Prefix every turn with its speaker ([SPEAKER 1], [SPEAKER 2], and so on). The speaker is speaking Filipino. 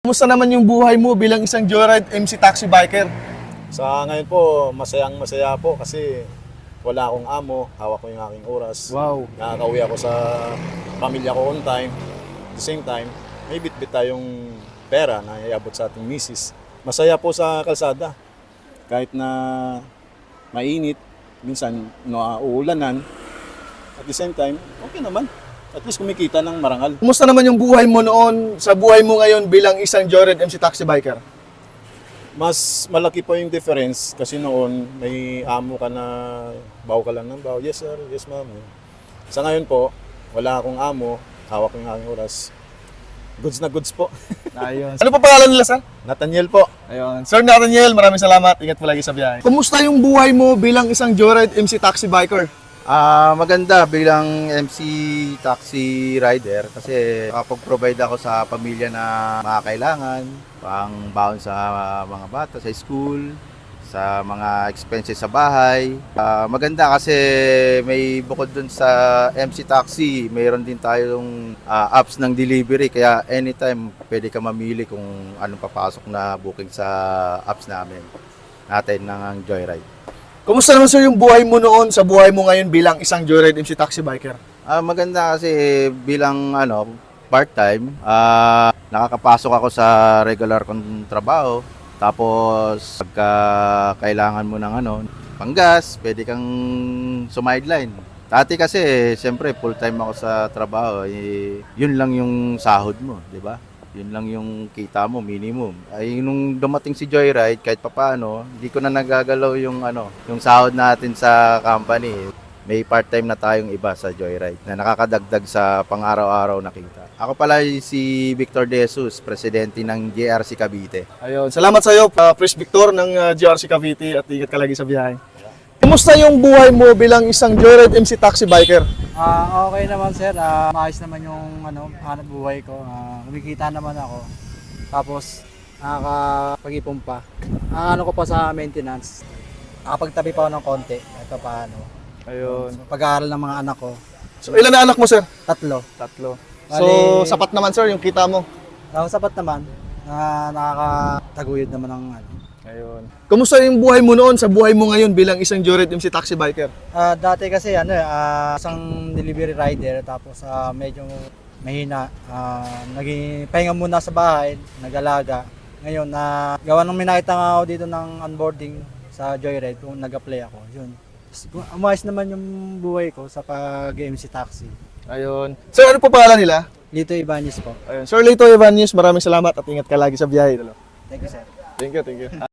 [SPEAKER 1] Kumusta naman yung buhay mo bilang isang joyride MC taxi biker?
[SPEAKER 2] Sa ngayon po, masaya po kasi wala akong amo, hawak ko yung aking oras.
[SPEAKER 1] Wow.
[SPEAKER 2] Nakakauwi ako sa pamilya ko on time. At the same time, may bit-bit tayong pera na iabot sa ating misis. Masaya po sa kalsada. Kahit na mainit, minsan uuulanan. At the same time, okay naman. At least kumikita ng marangal.
[SPEAKER 1] Kumusta naman yung buhay mo noon sa buhay mo ngayon bilang isang joyride MC taxi biker?
[SPEAKER 2] Mas malaki po yung difference kasi noon may amo ka na baw ka lang ng baw. Yes sir, yes ma'am. Sa ngayon po, wala akong amo, hawak ko yung aking oras. Goods na goods po.
[SPEAKER 1] Ayun. Ano pa pangalan nila, sir?
[SPEAKER 2] Nathaniel po.
[SPEAKER 1] Ayun. Sir Nathaniel, maraming salamat. Ingat po lagi sa biyahe. Kumusta yung buhay mo bilang isang joyride MC taxi biker?
[SPEAKER 3] Maganda bilang MC taxi rider kasi nakapag-provide ako sa pamilya na mga kailangan, pang baon sa mga bata sa school, sa mga expenses sa bahay. Maganda kasi may bukod dun sa MC taxi, mayroon din tayong apps ng delivery kaya anytime pwede ka mamili kung anong papasok na booking sa apps natin ng Joyride.
[SPEAKER 1] Kumusta naman sir yung buhay mo noon sa buhay mo ngayon bilang isang joyride MC taxi biker?
[SPEAKER 3] Maganda kasi bilang part-time, nakakapasok ako sa regular kong trabaho. Tapos pagka kailangan mo ng panggas, pwede kang sumideline. Dati kasi, siyempre full-time ako sa trabaho, yun lang yung sahod mo, di ba? Yun lang yung kita mo, minimum. Ay nung dumating si Joyride, kahit papaano, hindi ko na nagagalaw yung yung sahod natin sa company. May part-time na tayong iba sa Joyride na nakakadagdag sa pang-araw-araw na kita. Ako pala si Victor De Jesus, presidente ng JRC Cavite.
[SPEAKER 1] Ayun. Salamat sa iyo, Chris Victor ng GRC Cavite at ingat ka lagi sa biyahe. Kumusta yung buhay mo bilang isang joyride MC taxi biker?
[SPEAKER 4] Okay naman sir, maayos naman yung hanap buhay ko. Kumikita naman ako. Tapos nakakapag-ipon pa. Ang ko pa sa maintenance. Nakapagtabi pa ako ng konti. Ito paano.
[SPEAKER 1] Ayun.
[SPEAKER 4] Pag-aaral ng mga anak ko.
[SPEAKER 1] So ilan na anak mo sir?
[SPEAKER 4] 3.
[SPEAKER 1] Tatlo. So
[SPEAKER 4] Bali,
[SPEAKER 1] sapat naman sir yung kita mo.
[SPEAKER 4] sapat naman. Nakakataguyod naman ng
[SPEAKER 1] Ayun. Kumusta yung buhay mo noon sa buhay mo ngayon bilang isang joyride MC taxi biker?
[SPEAKER 4] Dati kasi isang delivery rider tapos medyo mahina. Naging pahinga muna sa bahay, nag-alaga. Ngayon gawa nung minakita nga ako dito ng onboarding sa Joyride kung nag-apply ako. Yun. Umayos naman yung buhay ko sa pag-MC taxi.
[SPEAKER 1] Ayun. Sir, ano po pangalan nila?
[SPEAKER 4] Lito Ibanez po.
[SPEAKER 1] Ayun. Sir Lito Ibanez, maraming salamat at ingat ka lagi sa biyahe.
[SPEAKER 4] Thank you sir.
[SPEAKER 1] Thank you.